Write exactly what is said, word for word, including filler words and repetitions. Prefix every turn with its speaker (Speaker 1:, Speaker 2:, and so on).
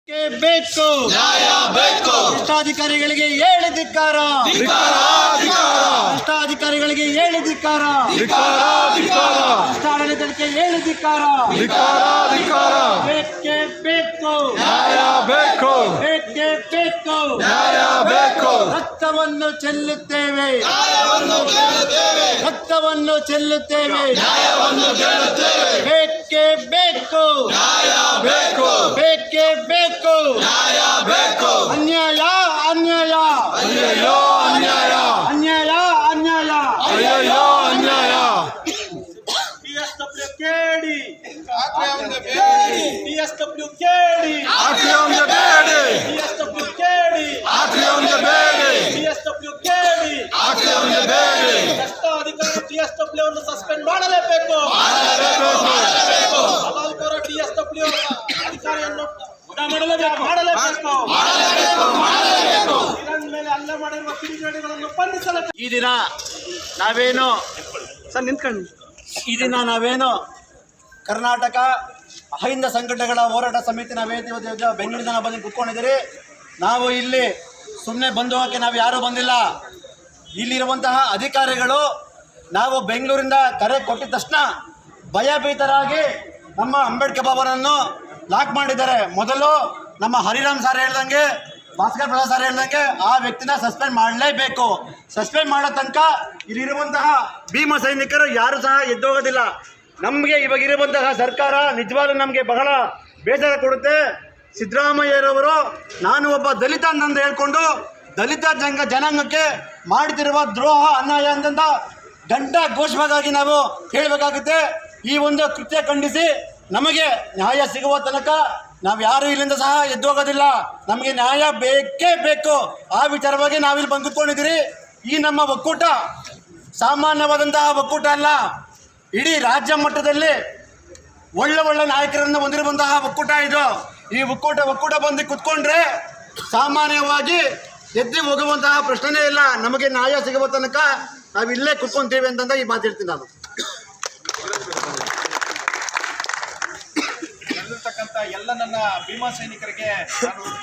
Speaker 1: ಬೇಕು
Speaker 2: ನ್ಯಾಯ ಬೇಕು.
Speaker 1: ಭ್ರಷ್ಟಾಧಿಕಾರಿಗಳಿಗೆ ಹೇಳಿ ಧಿಕ್ಕಾರ, ಭ್ರಷ್ಟಾಧಿಕಾರಿಗಳಿಗೆ ಹೇಳಿ ಧಿಕ್ಕಾರ, ಭ್ರಷ್ಟಾಡಳಿತಕ್ಕೆ ಹೇಳಿ ಧಿಕ್ಕಾರ. ಬೇಕೇ ಬೇಕು
Speaker 2: ನ್ಯಾಯ ಬೇಕು.
Speaker 1: ಬೇಕೇ ಬೇಕು
Speaker 2: ನ್ಯಾಯ ಬೇಕು.
Speaker 1: ರಕ್ತವನ್ನು ಚೆಲ್ಲುತ್ತೇವೆ,
Speaker 2: ನ್ಯಾಯವನ್ನು ಕೇಳುತ್ತೇವೆ.
Speaker 1: ರಕ್ತವನ್ನು ಚೆಲ್ಲುತ್ತೇವೆ.
Speaker 2: ನ್ಯಾಯವನ್ನು ಕೇಳುತ್ತೇವೆ.
Speaker 1: ಬೇಕೇ ಬೇಕು
Speaker 2: ನ್ಯಾಯ ಬೇಕು.
Speaker 1: ಬೇಕೇ ಬೇಕು
Speaker 2: ನ್ಯಾಯ ಬೇಕು.
Speaker 1: ಅನ್ಯಾಯ ಅನ್ಯಾಯ
Speaker 2: ಅಯ್ಯಯ್ಯೋ ಅನ್ಯಾಯ.
Speaker 1: ಅನ್ಯಾಯ ಅನ್ಯಾಯ
Speaker 2: ಅಯ್ಯಯ್ಯೋ ಅನ್ಯಾಯ.
Speaker 1: ಪಿಎಸ್ಡಬ್ಲ್ಯೂ ಕೇಳಿ,
Speaker 2: ಆಕ್ರಮಣ ಬೇಡಿ.
Speaker 1: ಪಿಎಸ್ಡಬ್ಲ್ಯೂ ಕೇಳಿ,
Speaker 2: ಆಕ್ರಮಣ ಬೇಡಿ.
Speaker 1: ಪಿಎಸ್ಡಬ್ಲ್ಯೂ ಕೇಳಿ,
Speaker 2: ಆಕ್ರಮಣ ಬೇಡಿ.
Speaker 1: ಪಿಎಸ್ಡಬ್ಲ್ಯೂ ಕೇಳಿ.
Speaker 2: ಆಕ್ರಮಣ ಬೇಡಿ.
Speaker 1: ಭ್ರಷ್ಟಾಧಿಕಾರಿ ಟಿಎಸ್ಡಬ್ಲ್ಯೂ ಅನ್ನು ಸಸ್ಪೆಂಡ್ ಮಾಡಲೇಬೇಕು.
Speaker 2: ಮಾಡಲೇಬೇಕು.
Speaker 1: ಹಲಾಲ್ಕೋರ ಟಿಎಸ್ಡಬ್ಲ್ಯೂ ಅಧಿಕಾರಿಯನ್ನು ವಜಾ ಮಾಡಲೇಬೇಕು ಮಾಡಲೇಬೇಕು
Speaker 2: ಮಾಡಲೇಬೇಕು. ಮಾಡಲೇಬೇಕು.
Speaker 1: ಇರಾನ್ ಮೇಲೆ ಹಲ್ಲೆ ಮಾಡಿರುವ ಕಿಡಿಗೇಡಿಗಳನ್ನು ಬಂಧಿಸಲೇಬೇಕು. ಈ ದಿನ ನಾವೇನು ಸರ್ ನಿಂತ್ಕೊಂಡು ಈ ದಿನ ನಾವೇನು ಕರ್ನಾಟಕ ಅಹಿಂದ ಸಂಘಟನೆಗಳ ಹೋರಾಟ ಸಮಿತಿ ನಾವೇನು ಇವತ್ತು ಬೆಂಗಳೂರಿನ ಬಂದು ಕುತ್ಕೊಂಡಿದ್ದೀರಿ. ನಾವು ಇಲ್ಲಿ ಸುಮ್ಮನೆ ಬಂದು ಹೋಗೋಕ್ಕೆ ನಾವು ಯಾರೂ ಬಂದಿಲ್ಲ. ಇಲ್ಲಿರುವಂತಹ ಅಧಿಕಾರಿಗಳು ನಾವು ಬೆಂಗಳೂರಿಂದ ಕರೆ ಕೊಟ್ಟಿದ ತಕ್ಷಣ ಭಯಭೀತರಾಗಿ ನಮ್ಮ ಅಂಬೇಡ್ಕರ್ ಬಾಬಾರನ್ನು ಲಾಕ್ ಮಾಡಿದ್ದಾರೆ. ಮೊದಲು ನಮ್ಮ ಹರಿರಾಮ್ ಸರ್ ಹೇಳ್ದಂಗೆ, ಭಾಸ್ಕರ್ ಪ್ರಸಾದ್ ಸರ್ ಹೇಳ್ದಂಗೆ ಆ ವ್ಯಕ್ತಿನ ಸಸ್ಪೆಂಡ್ ಮಾಡಲೇಬೇಕು. ಸಸ್ಪೆಂಡ್ ಮಾಡೋ ತನಕ ಇಲ್ಲಿರುವಂತಹ ಭೀಮ ಸೈನಿಕರು ಯಾರು ಸಹ ಎದ್ದೋಗೋದಿಲ್ಲ. ನಮಗೆ ಇವಾಗಿರುವಂತಹ ಸರ್ಕಾರ ನಿಜವಾಗ್ಲೂ ನಮಗೆ ಬಹಳ ಬೇಸರ ಕೊಡುತ್ತೆ. ಸಿದ್ದರಾಮಯ್ಯರವರು ನಾನು ಒಬ್ಬ ದಲಿತ ಅಂತಂದು ಹೇಳ್ಕೊಂಡು ದಲಿತ ಜಂಗ ಜನಾಂಗಕ್ಕೆ ಮಾಡ್ತಿರುವ ದ್ರೋಹ ಅನ್ಯಾಯ ಅಂತಂದ ಗಂಟ ಘೋಷವಾಗಿ ನಾವು ಹೇಳಬೇಕಾಗುತ್ತೆ. ಈ ಒಂದು ಕೃತ್ಯ ಖಂಡಿಸಿ ನಮಗೆ ನ್ಯಾಯ ಸಿಗುವ ತನಕ ನಾವು ಯಾರು ಇಲ್ಲಿಂದ ಸಹ ಎದ್ದೋಗೋದಿಲ್ಲ. ನಮಗೆ ನ್ಯಾಯ ಬೇಕೇ ಬೇಕು. ಆ ವಿಚಾರವಾಗಿ ನಾವಿಲ್ಲಿ ಬಂದು ಕೂತ್ಕೊಂಡಿದ್ದೀರಿ. ಈ ನಮ್ಮ ಒಕ್ಕೂಟ ಸಾಮಾನ್ಯವಾದಂತಹ ಒಕ್ಕೂಟ ಅಲ್ಲ. ಇಡೀ ರಾಜ್ಯ ಮಟ್ಟದಲ್ಲಿ ಒಳ್ಳೆ ಒಳ್ಳೆ ನಾಯಕರನ್ನು ಹೊಂದಿರುವಂತಹ ಒಕ್ಕೂಟ ಇದು. ಈ ಒಕ್ಕೂಟ ಒಕ್ಕೂಟ ಬಂದು ಕುತ್ಕೊಂಡ್ರೆ ಸಾಮಾನ್ಯವಾಗಿ ಎದ್ದು ಹೋಗುವಂತಹ ಪ್ರಶ್ನೆನೇ ಇಲ್ಲ. ನಮಗೆ ನ್ಯಾಯ ಸಿಗುವ ತನಕ ನಾವು ಇಲ್ಲೇ ಕುತ್ಕೊಂತೀವಿ ಅಂತಂದ ಈ ಮಾತು ಹೇಳ್ತೀನಿ ನಾನು.
Speaker 3: ಎಲ್ಲ ನನ್ನ ಭೀಮಾ ಸೈನಿಕರಿಗೆ ನಾನು